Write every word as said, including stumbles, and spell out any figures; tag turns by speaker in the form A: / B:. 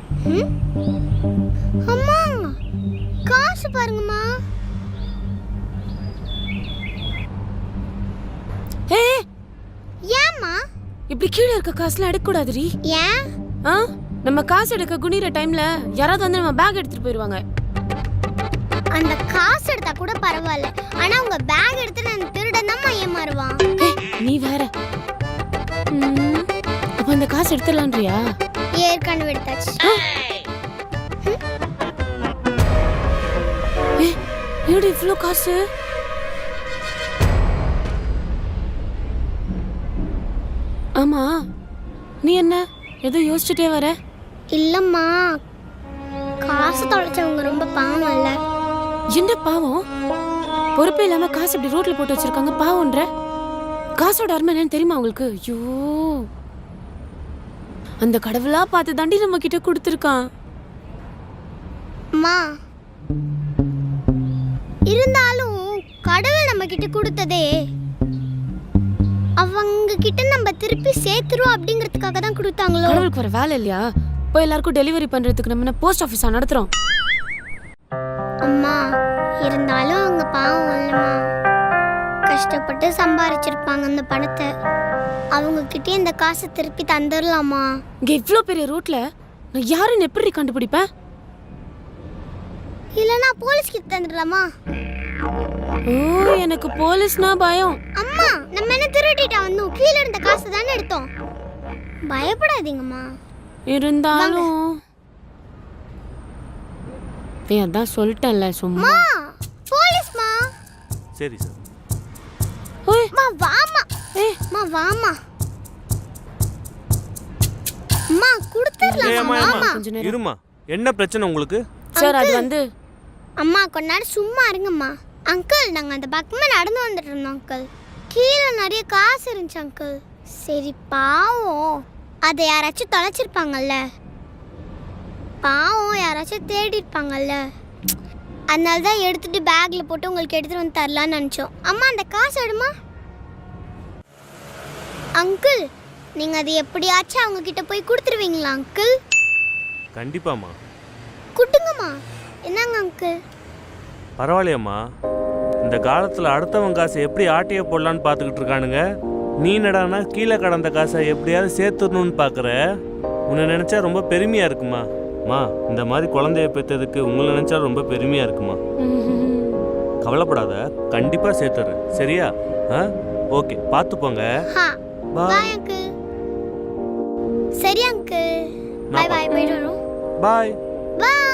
A: அம்மா காசு பாருங்கம்மா.
B: ஏ
A: ஏம்மா
B: இப்படி கீழே இருக்க காசுலாம் எடுக்க கூடாதுடி.
A: ஏன்?
B: ஆ நம்ம காசு எடுக்க குனிற டைம்ல யாராவது வந்து நம்ம பேக் எடுத்துட்டு போயிடுவாங்க.
A: அந்த காசு எடுத்தா கூட பரவாயில்ல, ஆனா உங்க பேக் எடுத்து நான் திருடன் தான் ஏமாறுவான்.
B: நீ வேற. அப்ப அந்த காசு எடுத்துடலான்றியா?
A: ஏற்கனவே எடுத்தாச்சு.
B: ஏ ஏடி இவ்வளோ காசு? ஆமா நீ என்ன ஏதோ யோசிச்சுட்டே வர?
A: இல்லம்மா, காசு தொலைச்சவங்க ரொம்ப பாவம் இல்ல.
B: என்ன பாவம்? பொறுப்பே இல்லாம காசு இப்படி ரோட்ல போட்டு வச்சிருக்காங்க, பாவம்ன்ற. காசோட அருமை என்னன்னு தெரியுமா உங்களுக்கு? ஐயோ, அந்த கடவுளா பார்த்து தாண்டி நம்ம கிட்ட கொடுத்துருக்கான்.
A: அம்மா, இருந்தாலும் கடவுள் நம்ம கிட்ட கொடுத்ததே அவங்க கிட்ட நம்ம திருப்பி சேர்த்துரும் அப்படிங்கிறதுக்காக தான் கொடுத்தாங்களோ.
B: கடவுளுக்கு வர வேலை இல்லையா? போய் எல்லாருக்கும் டெலிவரி பண்றதுக்கு நம்ம போஸ்ட் ஆஃபீஸா நடத்துறோம்.
A: அம்மா, இருந்தாலும் அவங்க பாவம் இல்லம்மா, கஷ்டப்பட்டு சம்பாரிச்சிருப்பாங்க அந்த பணத்தை. அவங்க கிட்டே இந்த காசை திருப்பி தந்துடலாமா?
B: இங்க இவ்ளோ பெரிய ரோட்ல நான் யாருன்னு எப்படி கண்டுபிடிப்பேன்?
A: இல்லனா போலீஸ் கிட்ட தந்துடலாமா?
B: ஓ, எனக்கு போலீஸ்னா பயம்.
A: அம்மா, நம்ம என்ன திருடிட்டா வந்தோம்? கீழ இருந்த காசு தானே எடுத்தோம். பயப்படாதீங்கம்மா.
B: இருந்தாலும் நீ அதான் சொல்லிட்டேன்ல சும்மா.
A: போலீஸ்மா.
C: சரி சார்.
B: ஓய்
A: மா வாமா. ஏய் மா வாமா. அம்மா குடுத்துறலாமா? வாமா.
B: கொஞ்ச நேரம்
C: இருமா. என்ன பிரச்சனை உங்களுக்கு?
B: சார் அது வந்து
A: அம்மா கொஞ்ச நேரம் சும்மா இருங்கம்மா. அங்கிள், நாங்க அந்த பக்கமே நடந்து வந்துட்டு இருந்தோம் அங்கிள். கீழே நிறைய காசு இருந்துச்சு அங்கிள். சரி பாவம், அதை யாராச்சும் தொலைச்சிருப்பாங்கல்ல, பாவம் யாராச்சும் தேடி இருப்பாங்கல்ல, அதனால தான் எடுத்துட்டு பேக்ல போட்டு உங்களுக்கு எடுத்துட்டு வந்து தரலான்னு நினச்சோம். அம்மா அந்த காசு எடுமா. அங்கிள், நீங்க அதை எப்படியாச்சும் அவங்க கிட்ட போய் கொடுத்துருவீங்களா அங்கிள்?
C: கண்டிப்பாம்மா.
A: குட்டுங்கம்மா. என்னங்க அங்கிள்?
C: பரவாயில்லையம்மா, இந்த காலத்தில் அடுத்தவன் காசை எப்படி ஆட்டையை போடலான்னு பார்த்துக்கிட்டு இருக்கானுங்க. நீ என்னடானா கீழே கடந்த காசை எப்படியாவது சேர்த்துடணும்னு பார்க்குற. உன்னை நினச்சா ரொம்ப பெருமையாக இருக்குமா. மா, இந்த மாதிரி குழந்தைய பெற்றதுக்கு உங்களை நினச்சா ரொம்ப பெருமையாக இருக்குமா. கவலைப்படாத, கண்டிப்பாக சேர்த்துறேன். சரியா? ஆ ஓகே, பார்த்து போங்க.
A: Bye uncle. சரி அங்கிள், பாய் பாய். போயிட்டு வரோம்.
C: பாய்
A: பாய்.